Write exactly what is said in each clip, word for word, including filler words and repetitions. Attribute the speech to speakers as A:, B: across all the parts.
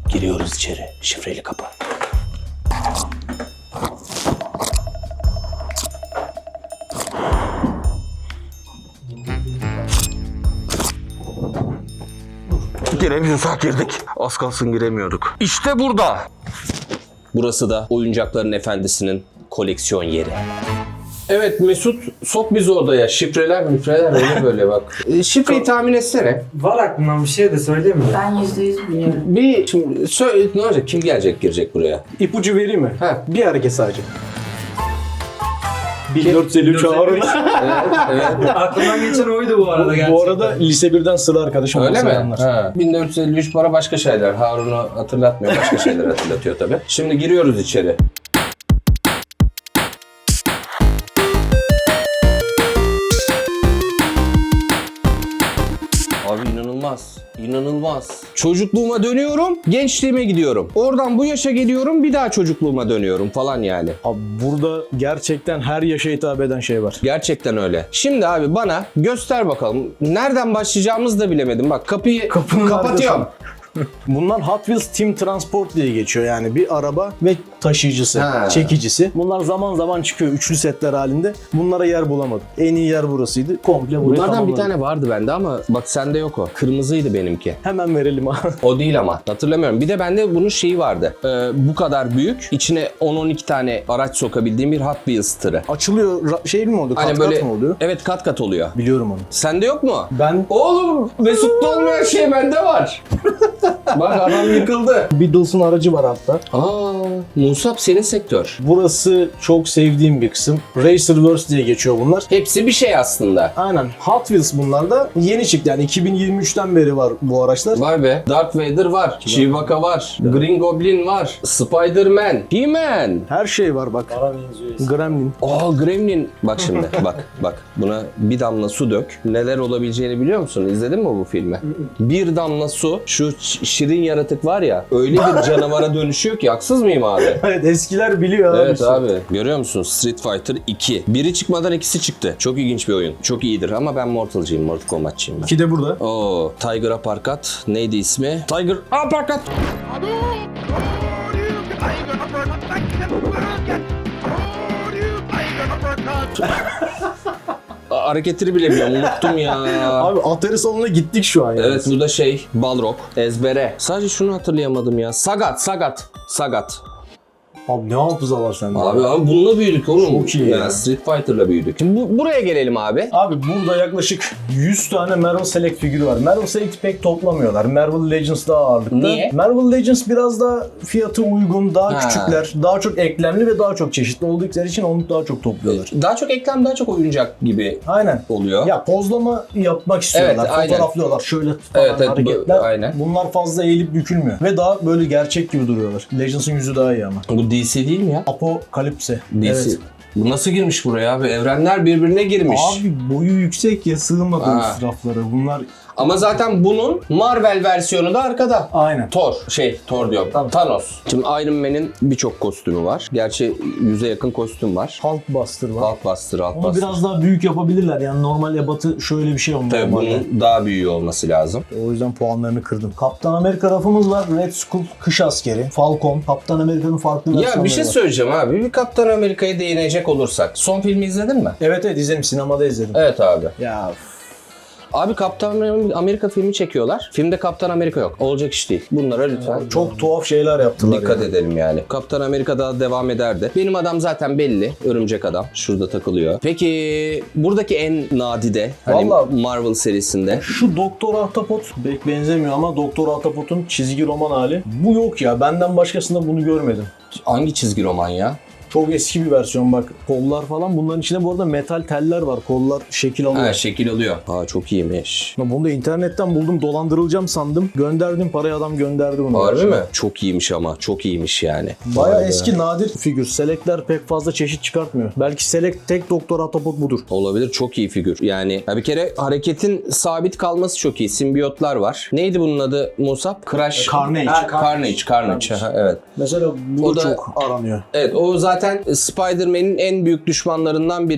A: Giriyoruz içeri. Şifreli kapı. Giremiyorsak girdik. Az kalsın giremiyorduk. İşte burada. Burası da oyuncakların efendisinin koleksiyon yeri. Evet Mesut, sok bizi odaya. Şifreler mifreler öyle böyle bak. E, şifreyi tahmin etsene.
B: Var aklımdan bir şey de söyleyeyim mi?
C: Ben yüzde yüz biliyorum.
A: Bir şimdi söyle ne olacak? Kim gelecek girecek buraya?
B: İpucu vereyim mi?
A: Ha.
B: Bir hareket sadece. bin dört yüz elli üç Harun.
A: Evet, evet.
D: Aklımdan geçen oydu bu arada gerçekten.
B: Bu arada lise birden sıra arkadaşım.
A: Öyle mi?
B: Selamlar.
A: Ha. bin dört yüz elli üç para başka şeyler. Harun'u hatırlatmıyor. Başka şeyler hatırlatıyor tabii. Şimdi giriyoruz içeri. Abi inanılmaz. İnanılmaz. Çocukluğuma dönüyorum, gençliğime gidiyorum. Oradan bu yaşa geliyorum, bir daha çocukluğuma dönüyorum falan yani.
B: Abi burada gerçekten her yaşa hitap eden şey var.
A: Gerçekten öyle. Şimdi abi bana göster bakalım. Nereden başlayacağımızı da bilemedim. Bak kapıyı
B: Kapının
A: kapatıyorum.
B: Bunlar Hot Wheels Team Transport diye geçiyor, yani bir araba ve taşıyıcısı,
A: Ha.
B: çekicisi. Bunlar zaman zaman çıkıyor üçlü setler halinde. Bunlara yer bulamadım. En iyi yer burasıydı. Komple burayı
A: Bunlardan bir
B: tamamladım.
A: tane vardı bende ama bak sende yok o. Kırmızıydı benimki.
B: Hemen verelim abi.
A: O değil ama. Hatırlamıyorum. Bir de bende bunun şeyi vardı. Ee, bu kadar büyük. İçine on on iki tane araç sokabildiğim bir Hot Wheels tırı.
B: Açılıyor, ra- şey mi oldu? Kat
A: Hani
B: kat
A: böyle
B: mı oluyor?
A: evet kat kat oluyor.
B: Biliyorum onu.
A: Sende yok mu?
B: Ben
A: Oğlum Mesut'ta olmayan şey bende var. Bak adam yıkıldı.
B: Beatles'ın aracı var hatta.
A: Aa, Musab senin sektör.
B: Burası çok sevdiğim bir kısım. Racerverse diye geçiyor bunlar.
A: Hepsi bir şey aslında.
B: Aynen. Hot Wheels bunlar da yeni çıktı. Yani iki bin yirmi üçten beri var bu araçlar.
A: Vay be. Darth Vader var. Chewbacca var. Green Goblin var. Spider-Man. He-Man.
B: Her şey var bak.
D: Bana benziyor.
B: Gremlin.
A: Aa Gremlin. Bak şimdi bak bak buna bir damla su dök. Neler olabileceğini biliyor musun? İzledin mi bu filmi? Bir damla su şu ş- şirin yaratık var ya öyle bir canavara dönüşüyor ki haksız mıyım abi?
B: Evet, eskiler biliyor abi.
A: Evet abi. Görüyor musun? Street Fighter iki. Biri çıkmadan ikisi çıktı. Çok ilginç bir oyun. Çok iyidir ama ben Mortal'cıyım. Mortal Kombat'çıyım ben.
B: İki de burada.
A: Oo, Tiger Uppercut. Neydi ismi? Tiger Uppercut. Aa, hareketleri bile bilmiyorum. Unuttum ya.
B: Abi Atari salonuna gittik şu an yani.
A: Evet bu da şey Balrog. Ezbere. Sadece şunu hatırlayamadım ya. Sagat, Sagat. Sagat.
B: Abi ne hafıza var sende?
A: Abi abi bununla büyüdük oğlum.
B: Çok iyi ya.
A: Yani Street Fighter'la büyüdük. Şimdi bu, buraya gelelim abi.
B: Abi burada yaklaşık yüz tane Marvel Select figürü var. Marvel Select pek toplamıyorlar. Marvel Legends daha ağırlıklı.
A: Niye?
B: Marvel Legends biraz daha fiyatı uygun, daha
A: Ha.
B: küçükler, daha çok eklemli ve daha çok çeşitli oldukları için onu daha çok topluyorlar.
A: Daha çok eklem, daha çok oyuncak gibi
B: Aynen.
A: oluyor.
B: Ya pozlama yapmak istiyorlar.
A: Evet, aynen.
B: Fotoğraflıyorlar. Şöyle falan
A: Evet, evet, bu-
B: hareketler.
A: aynen.
B: Bunlar fazla eğilip bükülmüyor. Ve daha böyle gerçek gibi duruyorlar. Legends'ın yüzü daha iyi ama.
A: Bu D C değil mi ya?
B: Apokalipse.
A: D C.
B: Evet.
A: Bu nasıl girmiş buraya abi? Evrenler birbirine girmiş.
B: Abi boyu yüksek ya, sığmadı
A: Ha.
B: raflara. Bunlar
A: Ama zaten bunun Marvel versiyonu da arkada.
B: aynen.
A: Thor, şey Thor diyorum. Thanos. Şimdi Iron Man'in birçok kostümü var. Gerçi yüze yakın kostüm var.
B: Hulkbuster var.
A: Hulkbuster,
B: Onu
A: Hulkbuster.
B: biraz daha büyük yapabilirler. Yani normal ebatı şöyle bir şey olmalı.
A: Tabii bunun daha büyüğü olması lazım.
B: O yüzden puanlarını kırdım. Kaptan Amerika rafımız var. Red Skull, kış askeri, Falcon. Kaptan Amerika'nın farklı versiyonları
A: Ya bir şey
B: var.
A: söyleyeceğim abi. Bir Kaptan Amerika'ya değinecek olursak. Son filmi izledin mi?
B: Evet evet izledim. Sinemada izledim.
A: Evet abi.
B: Ya
A: Abi Kaptan Amerika filmi çekiyorlar. Filmde Kaptan Amerika yok. Olacak iş değil. Bunlara lütfen
B: çok tuhaf şeyler yaptılar.
A: dikkat
B: yani.
A: edelim yani. Kaptan Amerika daha devam ederdi. Benim adam zaten belli. Örümcek adam. Şurada takılıyor. Peki buradaki en nadide hani
B: Vallahi-
A: Marvel serisinde
B: Şu Doktor Ahtapot pek benzemiyor ama Doktor Ahtapot'un çizgi roman hali. Bu yok ya. Benden başkasında bunu görmedim.
A: hangi çizgi roman ya?
B: Çok eski bir versiyon bak. Kollar falan. Bunların içinde bu arada metal teller var. Kollar şekil alıyor.
A: Ha şekil alıyor. Ha çok iyiymiş.
B: Ya bunu da internetten buldum. Dolandırılacağım sandım. Gönderdim parayı, adam gönderdi bunu.
A: Harbi mi? Çok iyiymiş ama. Çok iyiymiş yani.
B: Baya
A: Vay be.
B: eski nadir figür. Select'ler pek fazla çeşit çıkartmıyor. Belki Select tek Doktor Ahtapot budur.
A: Olabilir. Çok iyi figür. Yani ya bir kere hareketin sabit kalması çok iyi. Simbiyotlar var. Neydi bunun adı Musab? Crash.
B: Carnage.
A: Ha, Carnage. Carnage. Aha, evet.
B: Mesela bu
A: O
B: da
A: da-
B: çok aranıyor.
A: Evet o zaten Spider-Man'in en büyük düşmanlarından biri.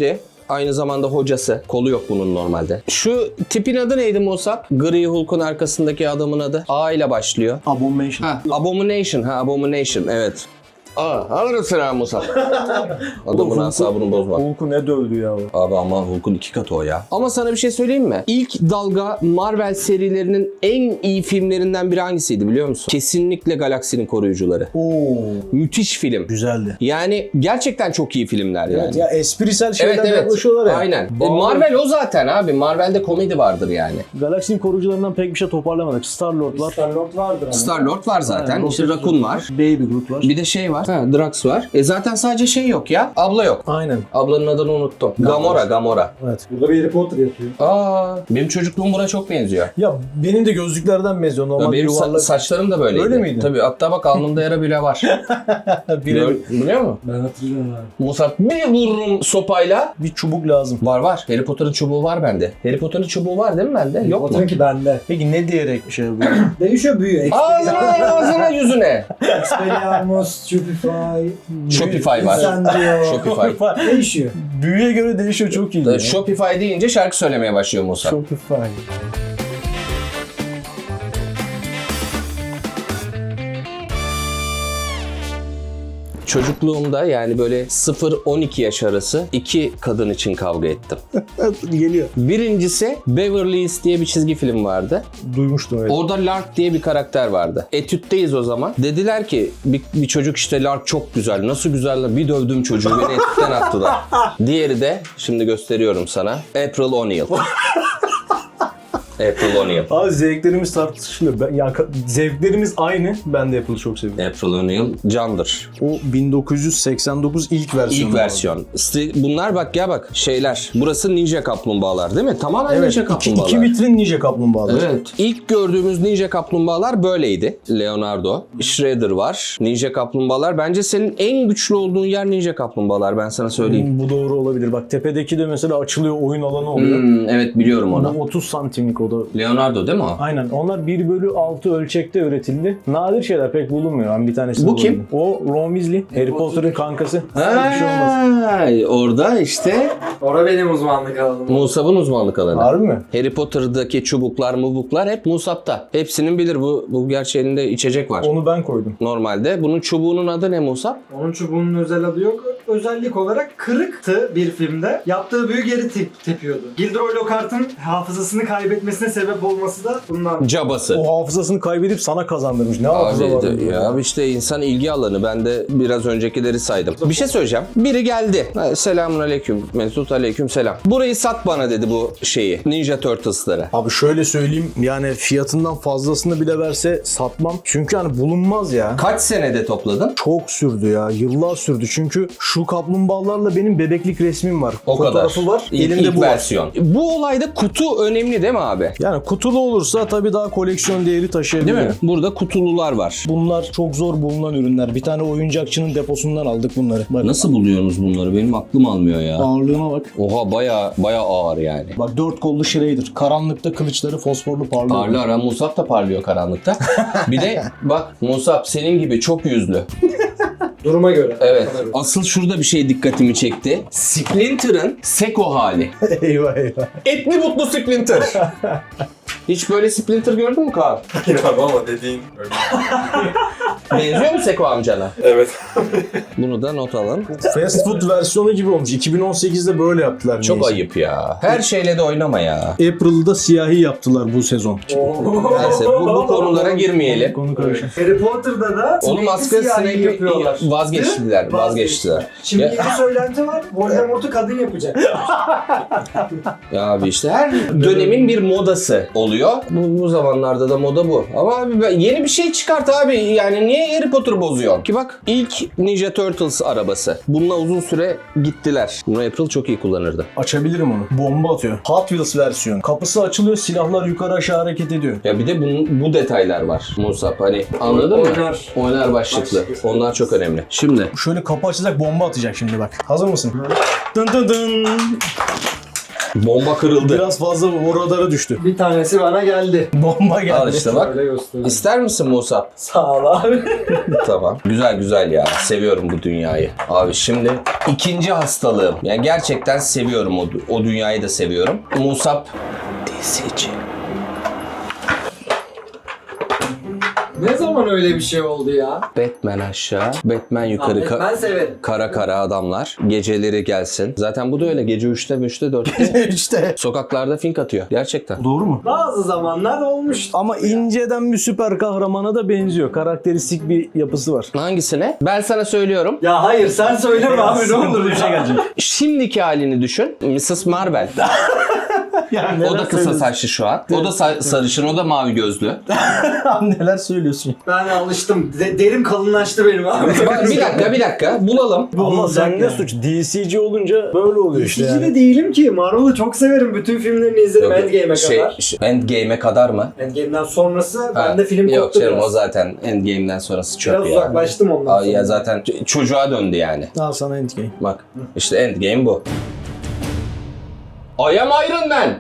A: Aynı zamanda hocası. Kolu yok bunun normalde. Şu tipin adı neydi Musab? Gri Hulk'un arkasındaki adamın adı. A ile başlıyor.
B: Abomination.
A: Ha, Abomination. Ha, Abomination. Evet. Aa, alırım selam Musab. Adamın
B: Hulk'u-
A: asabını bozma.
B: Hulk'u ne dövdü ya o.
A: Abi ama Hulk'un iki katı o ya. Ama sana bir şey söyleyeyim mi? İlk dalga Marvel serilerinin en iyi filmlerinden biri hangisiydi biliyor musun? Kesinlikle Galaksinin Koruyucuları.
B: Oo.
A: Müthiş film.
B: Güzeldi.
A: Yani gerçekten çok iyi filmler yani.
B: Evet ya esprisel şeyler
A: Evet evet.
B: yaklaşıyorlar ya.
A: Aynen. E,
B: Bağlı-
A: Marvel o zaten abi. Marvel'de komedi vardır yani.
B: Galaksinin koruyucularından pek bir şey toparlamadık. Star-Lord var.
C: Star-Lord vardır ama.
A: Star-Lord var zaten.
B: Aynen,
A: işte
B: Rocket
A: Raccoon var.
B: Baby Groot var.
A: Bir de şey var. Ha, Drax var. E zaten sadece şey yok ya. Abla yok.
B: Aynen.
A: Ablanın adını unuttum. Gamora, Gamora.
B: Evet.
C: Burada bir Harry Potter yatıyor.
A: Aa, benim çocukluğum buna çok benziyor.
B: Ya benim de gözlüklerden benziyor.
A: Ya
B: Normal
A: benim sa-
B: yuvarlak.
A: saçlarım da böyleydi.
B: Öyle miydi?
A: Tabii. Hatta bak alnımda yara bile var.
B: Biri-
A: Gör- Biliyor musun?
C: Ben hatırlıyorum abi.
A: Musab bir vururum sopayla.
B: bir çubuk lazım.
A: Var var. Harry Potter'ın çubuğu var bende. Harry Potter'ın çubuğu var değil mi bende? Yok mu?
C: Potter'ın ki bende.
B: Peki ne diyerek bir şey yapıyor?
C: Değişiyor büyüyor.
A: Ağzına ağzına yüzüne.
C: Expelliarmus, Stupefy,
A: Shopify var.
C: Incendio.
A: Shopify.
C: Değişiyor.
B: Büyüye göre değişiyor, çok iyi. ya.
A: Shopify deyince şarkı söylemeye başlıyor Musab.
B: Shopify.
A: Çocukluğumda yani böyle sıfır on iki yaş arası iki kadın için kavga ettim.
B: Geliyor.
A: Birincisi Beverly Hills diye bir çizgi film vardı.
B: Duymuştum öyle.
A: Orada Lark diye bir karakter vardı. Etütteyiz o zaman. Dediler ki bir, bir çocuk işte Lark çok güzel. Nasıl güzel? Bir dövdüm çocuğu. Beni etütten attılar. Diğeri de şimdi gösteriyorum sana. April O'Neil. April O'Neil.
B: Abi zevklerimiz tartışılıyor. Ben, yani ka- zevklerimiz aynı. Ben de Apple'ı çok seviyorum.
A: April O'Neil candır.
B: O bin dokuz yüz seksen dokuz ilk versiyonu.
A: İlk versiyon. Sti- Bunlar bak ya bak şeyler. Burası Ninja Kaplumbağalar değil mi? Tamamen
B: Evet.
A: Ninja
B: iki,
A: Kaplumbağalar.
B: iki vitrin Ninja Kaplumbağalar.
A: Evet. İlk gördüğümüz Ninja Kaplumbağalar böyleydi. Leonardo. Shredder var. Ninja Kaplumbağalar. Bence senin en güçlü olduğun yer Ninja Kaplumbağalar. Ben sana söyleyeyim.
B: Bu doğru olabilir. Bak tepedeki de mesela açılıyor, oyun alanı oluyor.
A: Hmm, evet biliyorum
B: Bu
A: onu.
B: otuz santimlik o da.
A: Leonardo değil mi o?
B: Aynen. Onlar bir bölü altı ölçekte üretildi. Nadir şeyler, pek bulunmuyor. Ben bir tanesi
A: Bu kim?
B: O Ron Weasley. Harry Potter'ın kankası. Bir şey olmaz.
A: Ha, orada işte
C: Orada benim uzmanlık alanım.
A: Musab'ın uzmanlık alanı.
B: Harbi mi?
A: Harry Potter'daki çubuklar mubuklar hep Musab'ta. Hepsinin bilir bu, bu gerçi elinde içecek var.
B: Onu ben koydum.
A: Normalde. Bunun çubuğunun adı ne Musab?
C: Onun çubuğunun özel adı yok. Özellik olarak kırıktı bir filmde. Yaptığı büyü geri tep- tepiyordu. Gilderoy Lockhart'ın hafızasını kaybetmesine sebep olması da bundan.
A: Cabası.
B: O hafızasını kaybedip sana kazandırmış. Ne hafıza var?
A: Abi de-
B: bunda?
A: ya işte insan ilgi alanı. Ben de biraz öncekileri saydım. Bir şey söyleyeceğim. Biri geldi. Ha, Selamun aleyküm. Mesut aleyküm selam. Burayı sat bana dedi bu şeyi. Ninja Turtles'ları.
B: Abi şöyle söyleyeyim, yani fiyatından fazlasını bile verse satmam. Çünkü hani bulunmaz ya.
A: Kaç senede topladın?
B: Çok sürdü ya. Yıllar sürdü. Çünkü şu kaplumbağalarla benim bebeklik resmim var.
A: O
B: Fotoğrafı
A: kadar.
B: var.
A: İlk,
B: Elimde
A: ilk
B: bu var.
A: versiyon. Bu olayda kutu önemli değil mi abi?
B: Yani kutulu olursa tabii daha koleksiyon değeri taşıyabilir.
A: Değil mi? Burada kutulular var.
B: Bunlar çok zor bulunan ürünler. Bir tane oyuncakçının deposundan aldık bunları. Bak,
A: Nasıl buluyorsunuz bunları? Benim aklım almıyor ya.
B: ağırlığına bak.
A: Oha baya baya ağır yani.
B: Bak dört kollu Shredder. Karanlıkta kılıçları fosforlu parlıyor.
A: Parlıyor. Ara Musab da parlıyor karanlıkta. Bir de bak Musab senin gibi çok yüzlü.
C: Duruma göre.
A: Evet. Asıl şurada bir şey dikkatimi çekti. Splinter'ın Seko hali.
B: eyvah eyvah.
A: Etli mutlu Splinter. Hiç böyle Splinter gördün mü Kaan?
E: Abi ama dediğin öyle.
A: Benziyor mu Seko amcana?
E: Evet.
A: Bunu da not alın.
B: Fast food versiyonu gibi olmuş. iki bin on sekizde böyle yaptılar.
A: Çok
B: neyse.
A: ayıp ya. Her şeyle de oynama ya.
B: April'da siyahi yaptılar bu sezon.
A: Neyse bu, bu konulara girmeyelim.
B: Konu karışık.
C: Harry Potter'da da
A: Onun
C: Snape'i
A: maskara
C: siyahi
A: Snape'i
C: yapıyorlar.
A: vazgeçtiler. Vazgeçtiler.
C: Şimdi
A: Ya-
C: yeni söylenti var. Voldemort'u kadın yapacak.
A: Ya abi işte her dönemin bir modası oluyor. Bu, bu zamanlarda da moda bu. Ama abi ben- yeni bir şey çıkart abi. Yani niye Harry Potter bozuyor? Ki bak ilk Ninja Turtles arabası. Bununla uzun süre gittiler. Bunu April çok iyi kullanırdı.
B: Açabilirim onu. Bomba atıyor. Hot Wheels versiyon. Kapısı açılıyor, silahlar yukarı aşağı hareket ediyor.
A: Ya bir de bunun, bu detaylar var Musab. Hani anladın mı?
C: Oynar.
A: Oynar başlıklı.
C: Başlıklı.
A: Onlar çok önemli. Şimdi
B: Şöyle kapı açacak, bomba atacak şimdi bak. Hazır mısın? Dın dın dın.
A: Bomba kırıldı.
B: Biraz fazla o radara düştü.
C: Bir tanesi bana geldi.
B: Bomba geldi.
A: Al işte bak.
C: Öyle göstereyim.
A: İster misin Musa?
C: Sağ ol abi.
A: Tamam. Güzel güzel ya. Seviyorum bu dünyayı. Abi şimdi ikinci hastalığım. Yani gerçekten seviyorum o, o dünyayı da seviyorum. Musab D C'ci.
D: Ne zaman öyle bir şey oldu ya?
A: Batman aşağı, Batman yukarı.
C: Ahmet,
A: Ka-
C: ben severim.
A: kara kara adamlar. Geceleri gelsin. Zaten bu da öyle. Gece üçte, üçte, dörtte.
B: işte.
A: Sokaklarda fink atıyor. Gerçekten.
B: Doğru mu?
C: Bazı zamanlar olmuş.
B: Ama inceden bir süper kahramana da benziyor. Karakteristik bir yapısı var.
A: Hangisine? Ben sana söylüyorum.
C: Ya hayır sen söyleme abi ne olur
B: bir şey
C: ya.
B: gelecek.
A: Şimdiki halini düşün. missus Marvel.
B: Yani
A: O da kısa saçlı şu an. O da sa- sarışın, o da mavi gözlü.
B: Neler söylüyorsun?
C: Ben alıştım. De- derim kalınlaştı benim abi.
A: Bak, bir dakika, bir dakika. Bulalım.
B: Ama sen ne
C: yani.
B: suç? D C C olunca böyle oluyor işte
C: İkinci
B: yani.
C: de değilim ki. Marvel'ı çok severim. Bütün filmlerini izledim Endgame'e
A: şey,
C: kadar.
A: şey, Endgame'e kadar mı?
C: Endgame'den sonrası
A: Ha,
C: bende film
A: Yok
C: koptu
A: canım,
C: biraz.
A: o zaten Endgame'den sonrası çöp
C: Biraz
A: ya.
C: uzaklaştım ondan
A: Aa,
C: sonra.
A: ya zaten ç- çocuğa döndü yani.
B: Al sana Endgame.
A: Bak işte Endgame bu. I am Iron Man.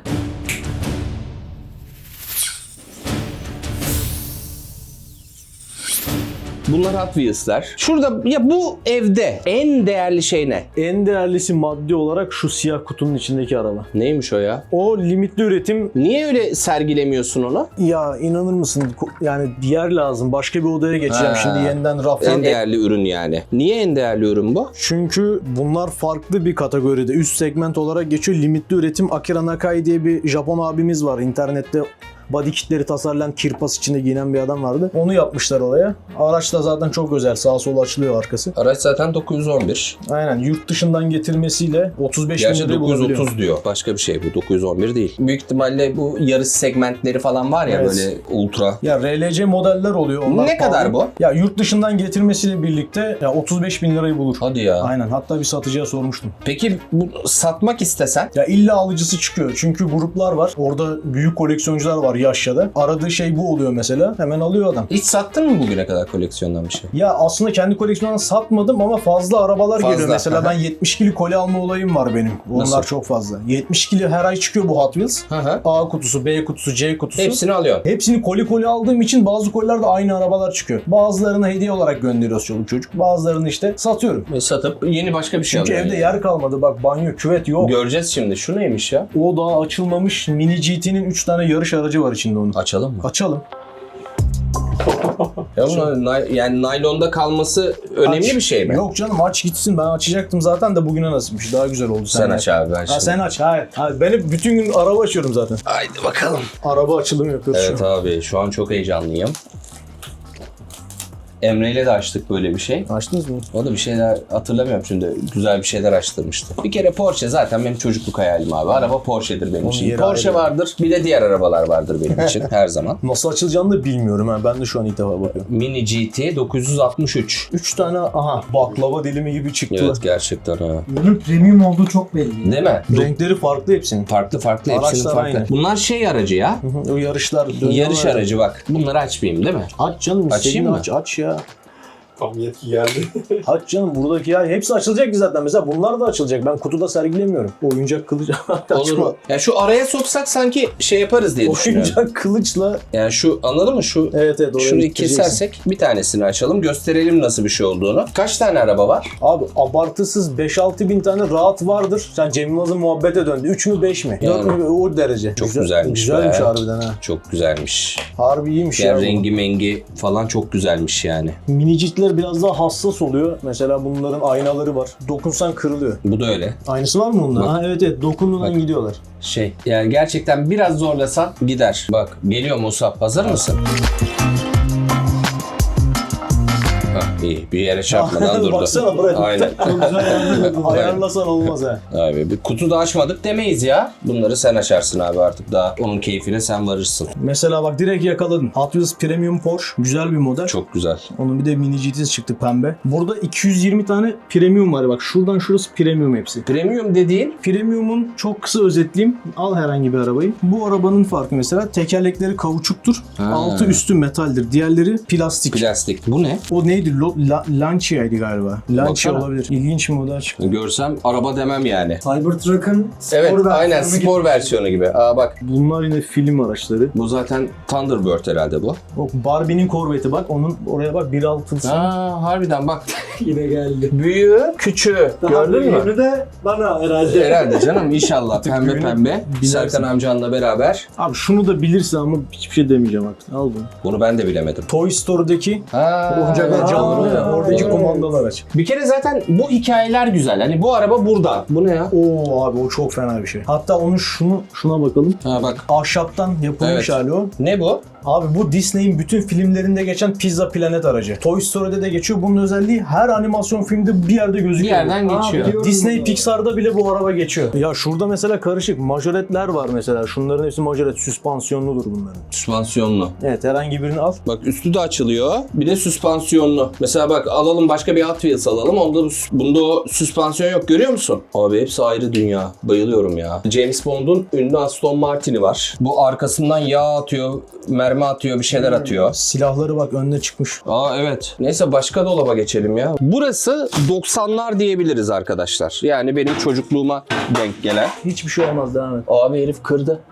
A: Bunlar Hot Wheels'ler. Şurada ya bu evde en değerli şey ne?
B: En değerlisi maddi olarak şu siyah kutunun içindeki araba.
A: Neymiş o ya?
B: O limitli üretim.
A: Niye öyle sergilemiyorsun onu?
B: Ya inanır mısın? Ko- Yani bir yer lazım. Başka bir odaya geçeceğim
A: Ha.
B: şimdi yeniden raftan.
A: En değerli ürün yani. Niye en değerli ürün bu?
B: Çünkü bunlar farklı bir kategoride. Üst segment olarak geçiyor. Limitli üretim. Akira Nakai diye bir Japon abimiz var. İnternette body kitleri tasarlayan, kirpas içinde giyinen bir adam vardı. Onu yapmışlar oraya. Araç da zaten çok özel. Sağa sola açılıyor arkası.
A: Araç zaten dokuz yüz on bir.
B: Aynen. Yurt dışından getirmesiyle otuz beş bin
A: Gerçi
B: liraya
A: dokuz yüz
B: bulabiliyor.
A: otuz diyor. Başka bir şey bu. dokuz yüz on bir değil. Büyük ihtimalle bu yarış segmentleri falan var ya,
B: Evet.
A: böyle ultra.
B: Ya R L C modeller oluyor. Onlar
A: Ne
B: pahalı.
A: kadar bu?
B: Ya yurt dışından getirmesiyle birlikte ya otuz beş bin lirayı bulur.
A: Hadi ya.
B: Aynen. Hatta bir satıcıya sormuştum.
A: Peki bu satmak istesen?
B: Ya illa alıcısı çıkıyor. Çünkü gruplar var. Orada büyük koleksiyoncular var yaşlıda. Aradığı şey bu oluyor mesela. Hemen alıyor adam.
A: Hiç sattın mı bugüne kadar koleksiyondan bir şey?
B: Ya aslında kendi koleksiyonumdan satmadım ama fazla arabalar
A: Fazla,
B: geliyor. Mesela
A: aha.
B: ben yetmiş kilo koli alma olayım var benim. Onlar
A: Nasıl?
B: çok fazla. yetmiş kilo her ay çıkıyor bu Hot Wheels.
A: Hı hı.
B: A kutusu, B kutusu, C kutusu.
A: Hepsini alıyorsun.
B: Hepsini koli koli aldığım için bazı kolilerde aynı arabalar çıkıyor. Bazılarını hediye olarak gönderiyoruz çoluk çocuk. Bazılarını işte satıyorum.
A: Ve satıp yeni başka bir şey
B: Çünkü
A: alıyorsun.
B: evde yer kalmadı. Bak banyo, küvet yok.
A: Göreceğiz şimdi. Şu neymiş ya?
B: O daha açılmamış mini G T'nin üç tane yarış aracı var içinde onun.
A: Açalım mı?
B: Açalım.
A: Ya bunlar nay- yani naylonda kalması önemli
B: Aç.
A: bir şey mi?
B: Yok canım aç gitsin. Ben açacaktım zaten de bugüne nasipmiş. Daha güzel oldu.
A: Sen aç abi, ben
B: Ha
A: şimdi.
B: sen aç. Hayır. Hayır. Ben hep bütün gün araba açıyorum zaten.
A: Haydi bakalım.
B: Araba açılımı yapıyoruz
A: Evet
B: şu an.
A: abi, şu an çok heyecanlıyım. Emre ile de açtık böyle bir şey.
B: Açtınız mı?
A: O da bir şeyler hatırlamıyorum şimdi. Güzel bir şeyler açtırmıştı. Bir kere Porsche zaten benim çocukluk hayalim abi. Araba Porsche'dir benim
B: Onun
A: için.
B: yeri
A: Porsche
B: ayrı.
A: vardır. Bir de diğer arabalar vardır benim için her zaman.
B: Nasıl açılacağını da bilmiyorum ha. Ben de şu an ilk defa bakıyorum.
A: Mini G T dokuz yüz altmış üç.
B: Üç tane aha baklava dilimi gibi çıktılar.
A: Evet gerçekten ha.
C: Bunun premium olduğu çok belli.
A: Değil mi?
B: Renkleri farklı hepsinin.
A: Farklı farklı, hepsinin
B: Araçlar
A: farklı.
B: aynı.
A: Bunlar şey aracı ya.
B: Hı hı, o yarışlar. dönüyorlar
A: Yarış
B: ya.
A: aracı bak. Bunları açmayayım değil mi?
B: Aç canım
A: Açayım
B: istediğini
A: mı?
B: aç. Aç ya.
E: Tam yetki geldi.
B: Aç canım buradaki ya. Hepsi açılacak ki zaten. Mesela bunlar da açılacak. Ben kutuda sergilemiyorum. Oyuncak kılıç.
A: Olur mu? Ya şu araya soksak sanki şey yaparız diye düşünüyorum.
B: Oyuncak kılıçla.
A: Yani şu, anladın mı? Şu
B: Evet evet. oraya
A: şurayı
B: getireceksin.
A: kesersek bir tanesini açalım. Gösterelim nasıl bir şey olduğunu. Kaç tane araba var?
B: Abi abartısız beş altı bin tane rahat vardır. Sen Cem Yılmaz'ın muhabbete döndü. üç mü beş mi?
A: Yani.
B: dört mü? O derece.
A: Çok
B: Güzel-
A: güzelmiş
B: Güzelmiş
A: be.
B: harbiden ha.
A: Çok güzelmiş.
B: Harbi iyiymiş
A: Ya
B: ya. bu.
A: rengi mengi falan çok güzelmiş yani.
B: Minicikler biraz daha hassas oluyor. Mesela bunların aynaları var. Dokunsan kırılıyor.
A: Bu da öyle.
B: Aynısı var mı bunda?
A: Bak.
B: Ha evet evet. Dokunmadan
A: Bak.
B: gidiyorlar.
A: Şey yani gerçekten biraz zorlasan gider. Bak geliyor Musab. Hazır mısın? Hah, iyi. Bir yere çarpmadan durdu.
B: Baksana buraya.
A: Aynen.
B: Çok güzel ayarlasan olmaz ha.
A: Abi bir kutu da açmadık demeyiz ya. Bunları sen açarsın abi artık, daha onun keyfine sen varırsın.
B: Mesela bak direkt yakaladın. Hot Wheels Premium Porsche. Güzel bir model.
A: Çok güzel.
B: Onun bir de mini G T'si çıktı pembe. Burada iki yüz yirmi tane premium var. Bak şuradan şurası premium hepsi.
A: Premium dediğin
B: Premium'un çok kısa özetleyeyim. Al herhangi bir arabayı. Bu arabanın farkı mesela tekerlekleri kauçuktur.
A: Ha.
B: Altı üstü metaldir. Diğerleri plastik.
A: plastik. Bu ne?
B: O neydi? Bu La- Lancia'ydı galiba. Lancia
A: Baksana.
B: olabilir. İlginç mi o da açık.
A: Görsem araba demem yani.
C: Cybertruck'ın spor
A: Evet,
C: versiyonu
A: aynen
C: gibi.
A: spor versiyonu gibi. Aa bak,
B: Bunlar yine film araçları.
A: bu zaten Thunderbird herhalde bu.
B: Bak Barbie'nin korveti bak. Onun oraya bak bir altısı.
A: Aa, harbiden bak.
C: Yine geldi.
A: Büyüğü, küçüğü.
C: Daha
A: Gördün mü?
C: büyüğünü de bana herhalde.
A: Herhalde canım, inşallah. Pembe
B: büyüğünü
A: pembe.
B: bilirsin.
A: Serkan amcanla beraber.
B: Abi şunu da bilirsin ama hiçbir şey demeyeceğim artık. Al bunu.
A: Bunu ben de bilemedim.
B: Toy Story'deki
A: Ha,
B: oyuncaklar canlanıyor ya.
C: Aa,
B: Oradaki
C: evet.
B: kumandalı araç.
A: Bir kere zaten bu hikayeler güzel. Hani bu araba burada. Bu ne ya?
B: Oo abi o çok fena bir şey. Hatta onun şunu şuna bakalım.
A: Ha bak.
B: Ahşaptan yapılmış
A: Evet.
B: hali o.
A: Ne bu?
B: Abi bu Disney'in bütün filmlerinde geçen Pizza Planet aracı. Toy Story'de de geçiyor. Bunun özelliği her animasyon filmde bir yerde gözüküyor.
A: Bir yerden
C: Aa,
A: geçiyor.
C: biliyorum.
B: Disney Pixar'da bile bu araba geçiyor. Ya şurada mesela karışık majoretler var mesela. Şunların hepsi majoret. Süspansiyonludur bunların.
A: Süspansiyonlu.
B: Evet herhangi birini al.
A: Bak üstü de açılıyor. Bir de süspansiyonlu. Mesela bak alalım başka bir Hot Wheels alalım. Onda bu- bunda o süspansiyon yok, görüyor musun? Abi hepsi ayrı dünya. Bayılıyorum ya. James Bond'un ünlü Aston Martin'i var. Bu arkasından yağ atıyor, mermi atıyor, bir şeyler atıyor.
B: Silahları bak önüne çıkmış.
A: Aa evet. Neyse başka dolaba geçelim ya. Burası doksanlar diyebiliriz arkadaşlar. Yani benim çocukluğuma denk gelen.
B: Hiçbir şey olmaz devam et.
A: Abi herif kırdı.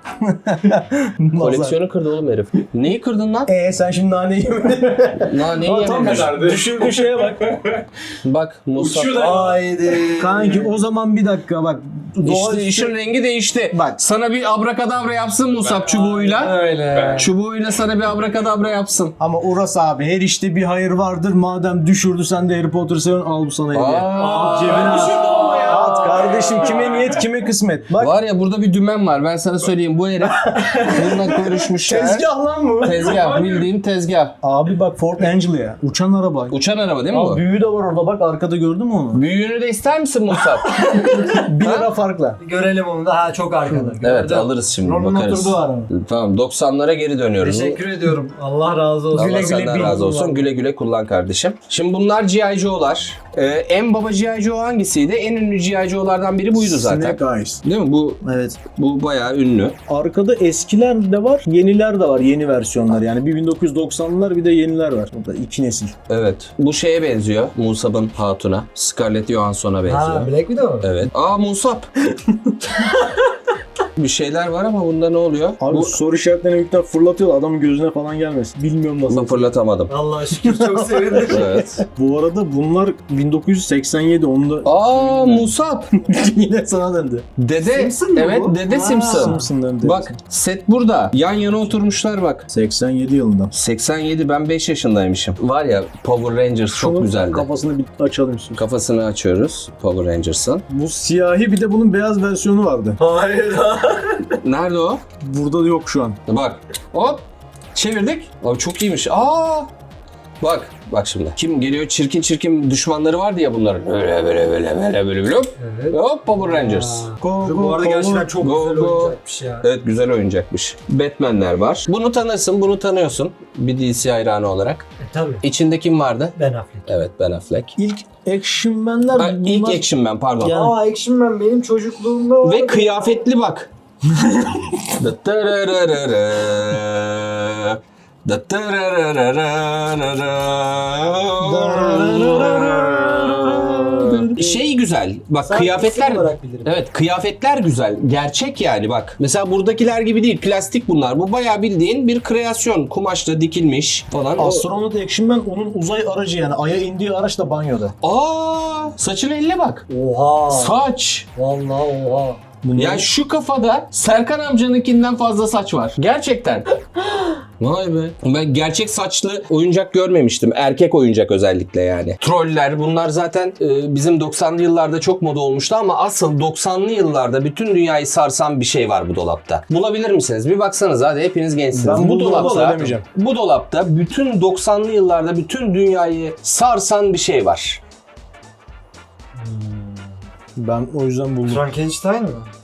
A: Koleksiyonu kırdı oğlum herif. Neyi kırdın lan?
B: Eee sen şimdi naneyi yemedin.
A: Naneyi
B: Aa, tam
A: yememiş.
B: düş- düşürdüğü şeye bak.
A: Bak Musa.
C: Haydi.
B: Kanki o zaman bir dakika bak.
A: İşte işin rengi değişti.
B: Bak.
A: Sana bir abrakadabra yapsın Musab çubuğuyla.
C: Öyle.
A: Çubuğuyla sana bir abrakadabra yapsın.
B: Ama Uras abi her işte bir hayır vardır. Madem düşürdü sen de Harry Potter'ı seviyorsun al bu sana hediye.
A: Aa,
B: Cebine at.
C: düşürdü ama ya.
B: At kardeşim kime niyet kime kısmet. Bak
A: Var ya burada bir dümen var. Ben sana söyleyeyim. Bu herif bununla görüşmüşler.
B: tezgah lan bu.
A: Tezgah. Bildiğim tezgah.
B: Abi bak Ford Anglia. Uçan araba.
A: Uçan araba değil mi
B: Abi
A: bu?
B: büyüğü de var orada bak arkada gördün mü onu?
A: Büyüğünü de ister misin Musab?
B: bir lira farkla.
C: Görelim onu da. Ha çok arkada.
A: Evet
C: Gördüm.
A: alırız şimdi
C: Ron'un
A: bakarız.
C: oturduğu araba.
A: Tamam doksanlara geri dönüyoruz.
C: Teşekkür ediyorum. Allah razı olsun.
A: Allah
B: Güle güle
A: senden
B: bil,
A: razı olsun.
B: kullan.
A: Güle güle kullan kardeşim. Şimdi bunlar G I. Joe'lar. Ee, en baba G I. Joe hangisiydi? En ünlü G I. Joe'lardan biri buydu zaten.
B: Snake Eyes.
A: Değil mi? Bu
B: Evet.
A: bu bayağı ünlü.
B: Arkada eskiler de var, yeniler de var. Yeni versiyonlar yani. Bir bin dokuz yüz doksanlar bir de yeniler var. O da iki nesil.
A: Evet. Bu şeye benziyor. Musab'ın hatuna. Scarlett Johansson'a benziyor.
C: Ha Black Widow.
A: Evet. Aa Musab. Bir şeyler var ama bunda ne oluyor?
B: Abi
A: Bu
B: soru işaretlerini yükten fırlatıyor adamın gözüne falan gelmesin. Bilmiyorum nasıl.
A: bunu fırlatamadım.
C: Allah'a şükür çok sevindim.
A: Evet.
B: Bu arada bunlar bin dokuz yüz seksen yedi onda
A: Aa Musab.
B: yine sana döndü.
A: Dede.
C: Simpson mu
A: Evet
C: bu?
A: Dede
C: Ha.
A: Simpson.
B: Simpson'dan dedi.
A: Bak set burada. Yan yana oturmuşlar bak.
B: seksen yedi yılından.
A: seksen yedi ben beş yaşındaymışım. Var ya Power Rangers çok
B: Şunun
A: güzeldi.
B: Kafasını bir açalım istiyorsun.
A: Kafasını açıyoruz Power Rangers'ın.
B: Bu siyahi bir de bunun beyaz versiyonu vardı.
C: Hayır.
A: Nerede o?
B: Burada da yok şu an.
A: Bak. Hop. Çevirdik. Abi çok iyiymiş. Aa. Bak. Bak şimdi. Kim geliyor? Çirkin çirkin düşmanları vardı ya bunların. Böyle böyle böyle böyle böyle böyle. Hop.
C: Evet.
A: Hop Power Rangers.
B: Go,
C: Bu arada gerçekten çok
A: Go,
C: güzel
A: go.
C: oyuncakmış ya.
A: Evet güzel oyuncakmış. Batman'ler var. Bunu tanırsın, bunu tanıyorsun. Bir D C hayranı olarak.
C: E, tabii.
A: İçinde kim vardı?
C: Ben Affleck.
A: Evet Ben Affleck.
B: İlk Action Man'ler
A: Ha, ilk
B: bunlar-
A: Action Man pardon.
B: Ya-
C: Aa Action Man benim çocukluğumda vardı.
A: Ve kıyafetli bak. Şey güzel. Bak
C: Sadece
A: kıyafetler
C: isim olarak bilirim.
A: Evet, kıyafetler güzel. Gerçek yani bak. Mesela buradakiler gibi değil. Plastik bunlar. Bu bayağı bildiğin bir kreasyon. Kumaşla dikilmiş falan. O-
B: Astronot Action Man onun uzay aracı yani. Ay'a indiği araç da banyoda.
A: Aa, saçın eline bak.
C: Oha.
A: Saç.
C: Vallahi oha.
A: Ya şu kafada Serkan amcanınkinden fazla saç var. Gerçekten. Vay be. Ben gerçek saçlı oyuncak görmemiştim. Erkek oyuncak özellikle yani. Troller bunlar zaten e, bizim doksanlı yıllarda çok moda olmuştu ama asıl doksanlı yıllarda bütün dünyayı sarsan bir şey var bu dolapta. Bulabilir misiniz? Bir baksanız hadi hepiniz gençsiniz.
B: Ben
A: bu
B: bu dolabı
A: dolapta
B: alamayacağım.
A: bu dolapta bütün doksanlı yıllarda bütün dünyayı sarsan bir şey var.
B: Ben o yüzden buldum.
C: Frankenstein mi?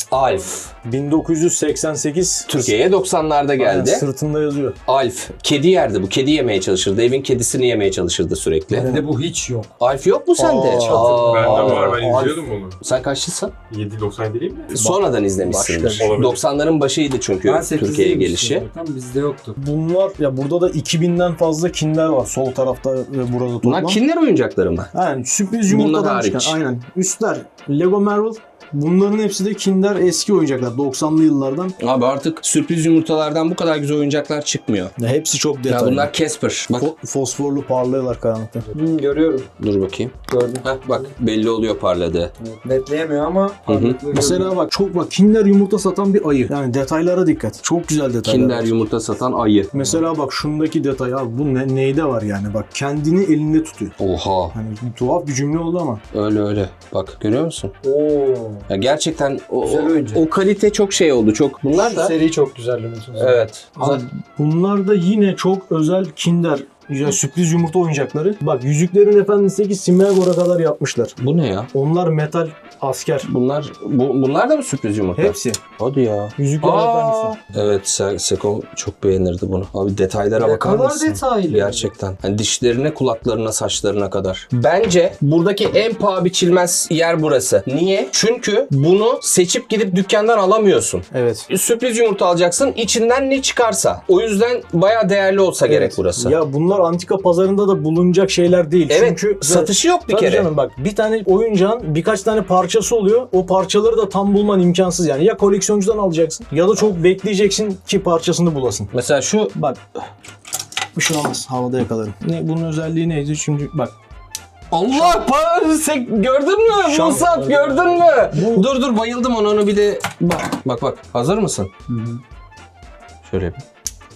A: Alf.
B: bin dokuz yüz seksen sekiz.
A: Türkiye'ye doksanlarda geldi.
B: Aynen, sırtında yazıyor.
A: Alf. Kedi yerdi bu. Kedi yemeye çalışırdı. Evin kedisini yemeye çalışırdı sürekli.
D: Bende bu hiç yok.
A: Alf yok mu sende?
B: Aa,
E: Bende var, ben
B: Alf.
E: izliyordum onu.
A: Sen kaçlısın?
E: yedi doksan yedi değil mi?
A: Sonradan izlemişsindir.
B: başka.
E: Olabilir.
A: doksanların başıydı çünkü
D: Ben sekizde
A: Türkiye'ye
D: yemiştim
A: gelişi.
D: zaten, bizde yoktu.
B: Bunlar ya burada da iki binden fazla Kinder var sol tarafta ve burada toplam.
A: Bunlar Kinder oyuncakları mı?
B: Yani sürpriz
A: Bunlar
B: yumurtadan
A: hariç.
B: çıkan. Aynen. Üstler Lego Marvel. Bunların hepsi de Kinder eski oyuncaklar. doksanlı yıllardan.
A: Abi artık sürpriz yumurtalardan bu kadar güzel oyuncaklar çıkmıyor.
B: Ya hepsi çok
A: Ya
B: detaylı.
A: bunlar Casper. Bak
B: Fo- fosforlu parlıyorlar karanlıkta.
D: Hı, görüyorum.
A: dur bakayım.
D: Gördüm.
A: Heh, bak belli oluyor parladığı.
D: Evet, netleyemiyor ama
A: hı.
D: parlaklığı
B: Mesela
D: görüyorum.
B: bak çok bak Kinder yumurta satan bir ayı. Yani detaylara dikkat. Çok güzel detaylar.
A: Kinder
B: var.
A: yumurta satan ayı.
B: Mesela bak şundaki detay abi bu ne, neyde var yani bak kendini elinde tutuyor.
A: Oha.
B: Hani tuhaf bir cümle oldu ama.
A: Öyle öyle. Bak görüyor musun?
D: Oo.
A: Ya gerçekten o,
D: Güzel
A: o,
D: oyuncak.
A: o kalite çok şey oldu. Çok. Bunlar
D: Şu
A: da
D: seri çok güzel Limited.
A: evet.
B: Abi, bunlar da yine çok özel Kinder ya sürpriz yumurta oyuncakları. Bak Yüzüklerin Efendisi'ndeki Smeagol'a kadar yapmışlar.
A: Bu ne ya?
B: Onlar metal asker.
A: Bunlar bu, bunlar da mı sürpriz yumurta?
B: Hepsi.
A: Hadi ya.
B: Yüzüklerin
A: Aa,
B: Efendisi.
A: evet Se- Seko çok beğenirdi bunu. Abi detaylara
D: Ne
A: bakar
D: kadar
A: mısın?
D: detaylı.
A: Gerçekten. Hani dişlerine, kulaklarına, saçlarına kadar. Bence buradaki en paha biçilmez yer burası. Niye? Çünkü bunu seçip gidip dükkandan alamıyorsun.
B: Evet.
A: Sürpriz yumurta alacaksın. İçinden ne çıkarsa. O yüzden bayağı değerli olsa gerek
B: Evet.
A: burası.
B: Ya bunlar antika pazarında da bulunacak şeyler değil.
A: evet.
B: Çünkü
A: satışı yok bir
B: Tabii
A: kere.
B: canım bak bir tane oyuncağın birkaç tane parçası oluyor. O parçaları da tam bulman imkansız yani. Ya koleksiyoncudan alacaksın ya da çok bekleyeceksin ki parçasını bulasın.
A: Mesela şu
B: Bak bir şey olmaz havada yakalarım. Ne, bunun özelliği neydi? Şimdi bak
A: Allah pa- sen gördün mü?
B: Şans-
A: Musab gördün mü? Dur dur bayıldım ona onu bir de bak bak bak hazır mısın? Şöyle bir.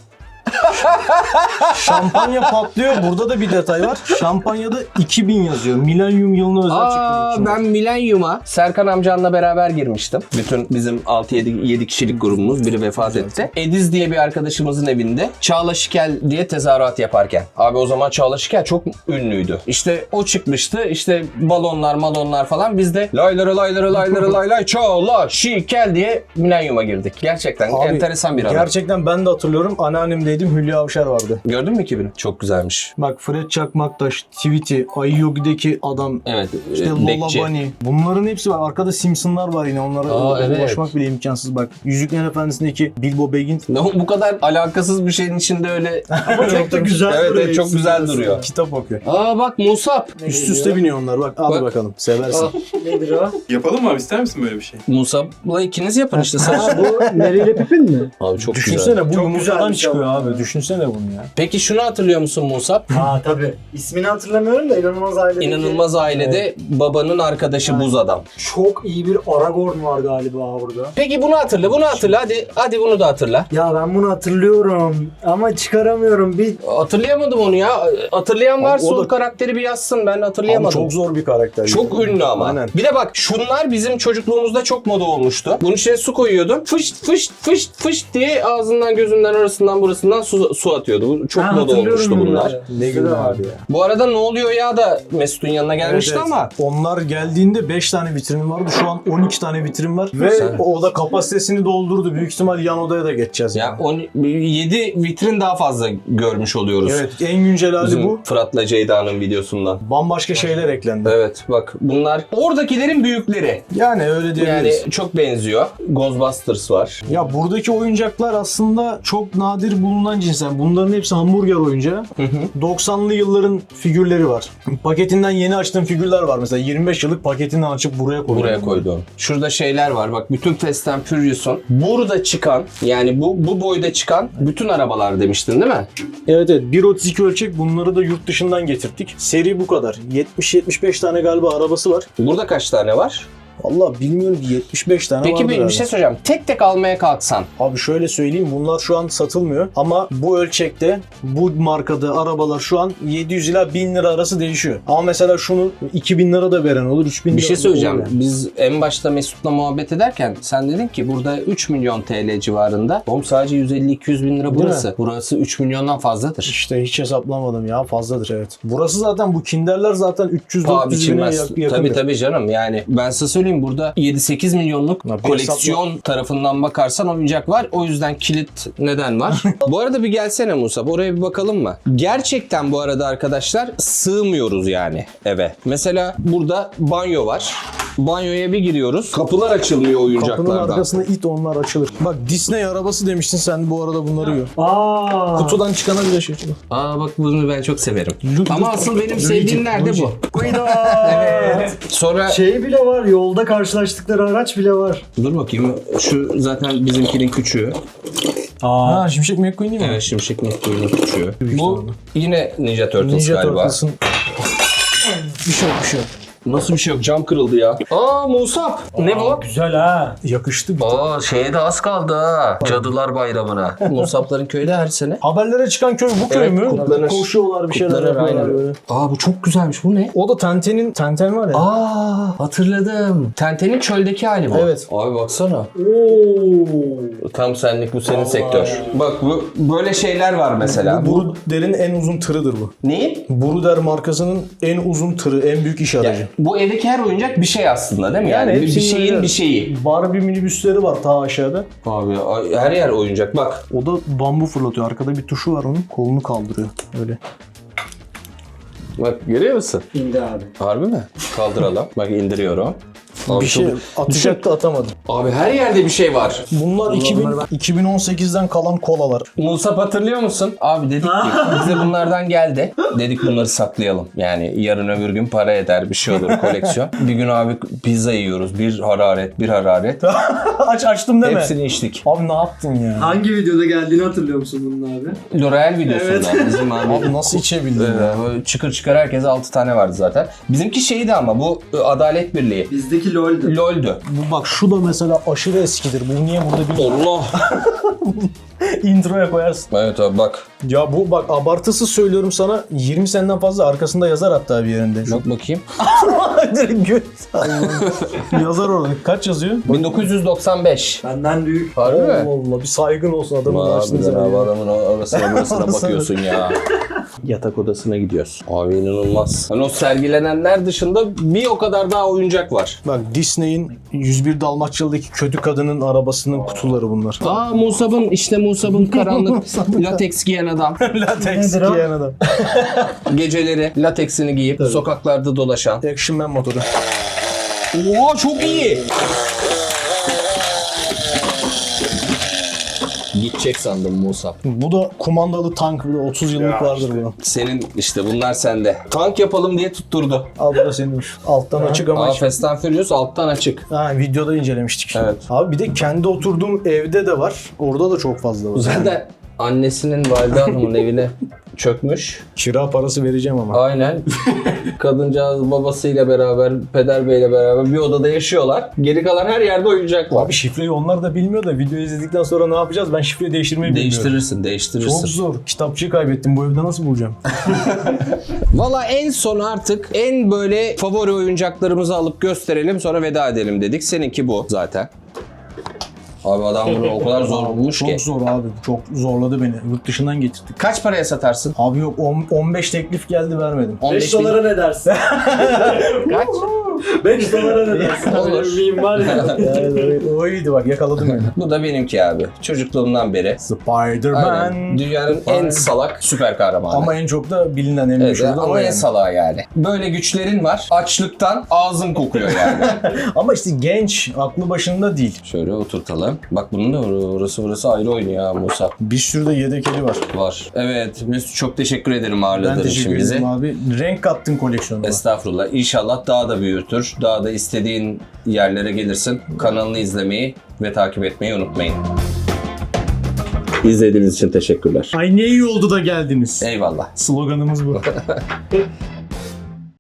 B: şampanya patlıyor. Burada da bir detay var. Şampanyada iki bin yazıyor. Milenyum yılına özel
A: Aa,
B: çıkmış.
A: ben Milenyum'a Serkan amcanla beraber girmiştim. Bütün bizim altı yedi kişilik grubumuz biri vefat etti. Ediz diye bir arkadaşımızın evinde Çağla Şikel diye tezahürat yaparken. Abi o zaman Çağla Şikel çok ünlüydü. İşte o çıkmıştı. İşte balonlar malonlar falan. Biz de laylara laylara laylara lay lay Çağla Şikel diye Milenyum'a girdik. Gerçekten
B: Abi,
A: enteresan bir adam.
B: Gerçekten ben de hatırlıyorum. Anneannemdeydim. Hülya Avşar vardı.
A: Gördün mü iki bini? Çok güzelmiş.
B: Bak Fred Çakmaktaş, Tweety, Ayı Yogi'deki adam,
A: Evet.
B: işte
A: e,
B: Lola
A: bekçi.
B: Bunny. Bunların hepsi var. Arkada Simpsonlar var yine. Onlara
A: Aa, evet.
B: ulaşmak bile imkansız. Bak Yüzüklerin Efendisi'ndeki Bilbo Baggins.
A: Ne, bu kadar alakasız bir şeyin içinde öyle.
C: Ama çok da güzel
A: Evet,
C: duruyor
A: evet çok
C: ikisi
A: güzel
C: arasında.
A: duruyor.
B: Kitap okuyor.
A: Aa bak Musab.
B: Üst üste biniyor onlar. Bak al
A: Bak.
B: bakalım. Seversin.
A: Aa.
C: Nedir o?
E: Yapalım mı abi, ister misin böyle bir şey?
A: Musab'la ikiniz yapın işte.
C: Ha,
A: Sen...
C: bu Mary ile Pippin mi?
A: Abi çok
B: Düşünsene
A: güzel.
B: bu
C: Çok
B: yumurtadan
C: güzelmiş
B: çıkıyor
C: ama
B: abi.
C: ya.
B: Düşünsene bunu ya.
A: Peki şunu hatırlıyor musun Musab?
C: Ha tabii. İsmini hatırlamıyorum da İnanılmaz Aile'deki
A: İnanılmaz Ailede babanın arkadaşı buz adam.
C: çok iyi bir Aragorn var galiba burada.
A: Peki bunu hatırla, bunu hatırla. Hadi hadi bunu da hatırla.
C: Ya ben bunu hatırlıyorum ama çıkaramıyorum. Bir
A: Hatırlayamadım onu ya. Hatırlayan
B: Abi
A: varsa
B: o
A: o,
B: da-
A: karakteri bir yazsın. Ben
B: Abi
A: hatırlayamadım.
B: çok zor bir karakter.
A: Çok ünlü ama.
B: Aynen.
A: Bir de bak şunlar bizim çocukluğumuzda çok moda olmuştu. Bunun içine su koyuyordun. Fışt fışt fışt fışt diye ağzından gözünden arasından burasından su, su atıyordu. Bu çok
C: Ha,
A: moda
C: hatırlıyorum
A: olmuştu bunlar.
C: bunları.
B: Ne güzel abi ya.
A: Bu arada ne oluyor ya da Mesut'un yanına gelmişti
B: Evet, evet.
A: ama
B: Onlar geldiğinde beş tane vitrin vardı. Şu an on iki tane vitrin var. Ve
A: Sen-
B: o da kapasitesini doldurdu. Büyük ihtimal yan odaya da geçeceğiz.
A: ya
B: yani.
A: on, yedi vitrin daha fazla görmüş oluyoruz.
B: Evet en güncel hali
A: Bizim
B: bu.
A: Fırat'la Ceyda'nın videosundan.
B: Bambaşka şeyler eklendi.
A: Evet bak bunlar oradakilerin büyükleri.
B: Yani öyle
A: Yani
B: diyebiliriz.
A: çok benziyor. Ghostbusters var.
B: Ya buradaki oyuncaklar aslında çok nadir bulunan cinsten. Bunların hepsi hamburger oyuncağı. doksanlı yılların figürleri var. Paketinden yeni açtığım figürler var. Mesela yirmi beş yıllık paketinden açıp buraya koydum.
A: Buraya koydum. Şurada şeyler var. Bak bütün Fast and Furious'un burada çıkan yani bu bu boyda çıkan bütün arabalar demiştin değil mi?
B: Evet evet. bir otuz iki ölçek bunları da yurt dışından getirttik. Seri bu kadar. yetmiş yetmiş beş tane galiba arabası var.
A: Burada kaç tane var?
B: Vallahi bilmiyorum ki yetmiş beş tane
A: Peki
B: vardır
A: bir, bir
B: herhalde.
A: şey söyleyeceğim. Tek tek almaya kalksan.
B: Abi şöyle söyleyeyim bunlar şu an satılmıyor ama bu ölçekte bu markada arabalar şu an yedi yüz ila bin lira arası değişiyor. Ama mesela şunu iki bin lira da veren olur, üç bin lira
A: Bir şey
B: da
A: söyleyeceğim.
B: olur yani.
A: Biz en başta Mesut'la muhabbet ederken sen dedin ki burada üç milyon T L civarında. Oğlum sadece yüz elli iki yüz bin lira
B: Değil
A: burası.
B: mi?
A: Burası üç milyondan fazladır.
B: İşte hiç hesaplamadım ya fazladır evet. Burası zaten bu Kinder'ler zaten üç yüz
A: Paha
B: dört yüz bine
A: biçilmez.
B: yak- yakın.
A: Tabii tabii canım yani ben size söyleyeyim söyleyeyim. Burada yedi sekiz milyonluk
B: Ya bir
A: koleksiyon tarafından bakarsan oyuncak var. O yüzden kilit neden var? Bu arada bir gelsene Musab. Oraya bir bakalım mı? Gerçekten bu arada arkadaşlar sığmıyoruz yani eve. Mesela burada banyo var. Banyoya bir giriyoruz. Kapılar açılmıyor
B: Kapının
A: oyuncaklardan.
B: arkasında it onlar açılır. Bak Disney arabası demiştin sen bu arada bunları yiyor.
C: Aa.
B: Kutudan çıkana bile şey.
A: Aa bak bunu ben çok severim.
B: Lu-
A: Ama
B: Lu-
A: asıl benim
B: Luigi,
A: sevdiğim nerede
B: Luigi.
A: bu?
C: Evet.
A: Sonra
C: Şey bile var, yolda karşılaştıkları araç bile var.
A: dur bakayım. Şu zaten bizimkinin küçüğü.
B: Ha Şimşek McQueen değil mi?
A: Evet, Şimşek McQueen'in küçüğü.
B: Büyük
A: Bu
B: ihtimalle.
A: yine Ninja Turtles
B: Ninja
A: galiba.
B: Turtles'ın... bir şey yok bir şey yok.
A: Nasıl bir şey yok? Cam kırıldı ya. Aa Musab. Ne bu?
C: Güzel ha.
B: Yakıştı bir
A: Aa şeye de az kaldı ha. Cadılar Bayramı'na. Musabların köyde her sene.
B: Haberlere çıkan köy bu köy
A: Evet,
B: mü?
A: kutlanır.
B: Koşuyorlar bir şeyler
A: Kutlanır,
B: yapıyorlar
A: aynen.
B: böyle.
A: Aa bu çok güzelmiş. Bu ne?
B: O da Tenten'in, Tenten var ya.
A: Aa hatırladım. Tenten'in çöldeki hali bu.
B: Evet.
A: Abi baksana.
C: Oo.
A: Tam senlik bu senin sektör. Bak bu böyle şeyler var mesela.
B: Bu
A: Bu,
B: Bruder'in en uzun tırıdır bu.
A: neyi?
B: Bruder markasının en uzun tırı, en büyük iş aracı.
A: Yani bu evdeki her oyuncak bir şey aslında değil mi? Yani, bir, bir
B: hepsinin
A: şeyin
B: öyle.
A: bir şeyi.
B: Barbie minibüsleri var ta aşağıda.
A: Abi ay- her yer oyuncak bak.
B: O da bambu fırlatıyor. Arkada bir tuşu var onun. Kolunu kaldırıyor. Öyle.
A: Bak görüyor musun?
C: İndi abi.
A: Harbi mi? Kaldıralım. Bak indiriyorum. Abi
B: bir şey
A: çok-
B: atacaktı atamadım.
A: Abi her yerde bir şey var.
B: Bunlar iki bin, iki bin on sekizden kalan kolalar.
A: Musab hatırlıyor musun? Abi dedik ki bize bunlardan geldi. Dedik bunları saklayalım. Yani yarın öbür gün para eder bir şey olur koleksiyon. Bir gün abi pizza yiyoruz. Bir hararet bir hararet.
B: Aç açtım deme.
A: Hepsini içtik.
B: Abi ne yaptın ya?
D: Hangi videoda geldiğini hatırlıyor musun bunun abi?
A: L'Oreal videosunda bizim abi.
B: Abi nasıl içebildin ya?
A: Ee, böyle çıkır çıkar herkes altı tane vardı zaten. Bizimki şeydi ama bu ı, Adalet Birliği.
D: Bizdeki LOL'dü.
A: LOL'dü.
B: Bu bak şu da mesela aşırı eskidir. Bu niye burada bir
A: Allah.
B: introya koyarsın?
A: Evet abi bak.
B: Ya bu bak abartısız söylüyorum sana yirmi seneden fazla arkasında yazar hatta bir yerinde.
A: Bak bakayım.
B: Direkt göt. Yazar orada. Kaç yazıyor?
A: bin dokuz yüz doksan beş.
D: Benden büyük.
A: Harbi mi?
B: Allah Allah bir saygın olsun adamın
A: Harbiden
B: açtığınızı.
A: abi adamın orasına burasına
B: Orasına.
A: bakıyorsun ya. Yatak odasına gidiyoruz. Abi inanılmaz. Hani o sergilenenler dışında bir o kadar daha oyuncak var.
B: Bak Disney'in yüz bir Dalmaçyalı'daki kötü kadının arabasının kutuları bunlar.
A: Aa Musab'ın işte Musab'ın karanlık lateks giyen adam.
B: Latex
C: Nedir o?
B: giyen adam.
A: Geceleri lateksini giyip sokaklarda dolaşan.
B: Action Man motoru.
A: Oha çok iyi. Gidecek sandım Musab.
B: Bu da kumandalı tank. Bu da otuz yıllık vardır bunun.
A: Senin işte bunlar sende. Tank yapalım diye tutturdu.
B: Al bu da senin. Alttan açık ama
A: Aa
B: açık.
A: Fast and Furious alttan açık.
B: Ha, videoda incelemiştik.
A: Evet.
B: Abi bir de kendi oturduğum evde de var. Orada da çok fazla var.
A: Zaten annesinin valide hanımın evine çökmüş.
B: Kira parası vereceğim ama.
A: Aynen. Kadıncağız babasıyla beraber, peder beyle beraber bir odada yaşıyorlar. Geri kalan her yerde oyuncak var.
B: Abi şifreyi onlar da bilmiyor da videoyu izledikten sonra ne yapacağız? Ben şifreyi değiştirmeyi bilmiyorum.
A: Değiştirirsin, değiştirirsin.
B: Çok zor. Kitapçıyı kaybettim. Bu evde nasıl bulacağım?
A: Valla en son artık en böyle favori oyuncaklarımızı alıp gösterelim sonra veda edelim dedik. Seninki bu zaten. Abi adam bunu o kadar zor bulmuş ki.
B: Çok zor abi. Çok zorladı beni. Yurt dışından getirdik.
A: Kaç paraya satarsın?
B: Abi yok on- on beş teklif geldi vermedim.
A: on
D: beş
A: beş bin.
D: dolara ne dersin?
A: Kaç?
D: beş dolara ne dersin?
A: Olur.
D: Öyle bir meme var ya.
B: Yani o iyiydi bak yakaladım beni.
A: Bu da benimki abi. Çocukluğumdan beri.
B: Spider-Man.
A: Aynen. Dünyanın en salak süper kahramanı.
B: Ama en çok da bilinen en
A: Evet,
B: meşhur da o
A: ama en
B: yani.
A: salağı yani. Böyle güçlerin var. Açlıktan ağzın kokuyor yani.
B: Ama işte genç, aklı başında değil.
A: Şöyle oturtalım. Bak bunun da orası burası ayrı oynuyor ya Musa.
B: Bir sürü de yedekeli var.
A: Var. Evet Mesut çok teşekkür ederim
B: Ben
A: ağırladığın için
B: teşekkür
A: bizi.
B: ederim abi. Renk kattın koleksiyonuna.
A: Estağfurullah. İnşallah daha da büyütür. Daha da istediğin yerlere gelirsin. Kanalını izlemeyi ve takip etmeyi unutmayın. İzlediğiniz için teşekkürler.
B: Ay ne iyi oldu da geldiniz.
A: Eyvallah.
B: Sloganımız bu.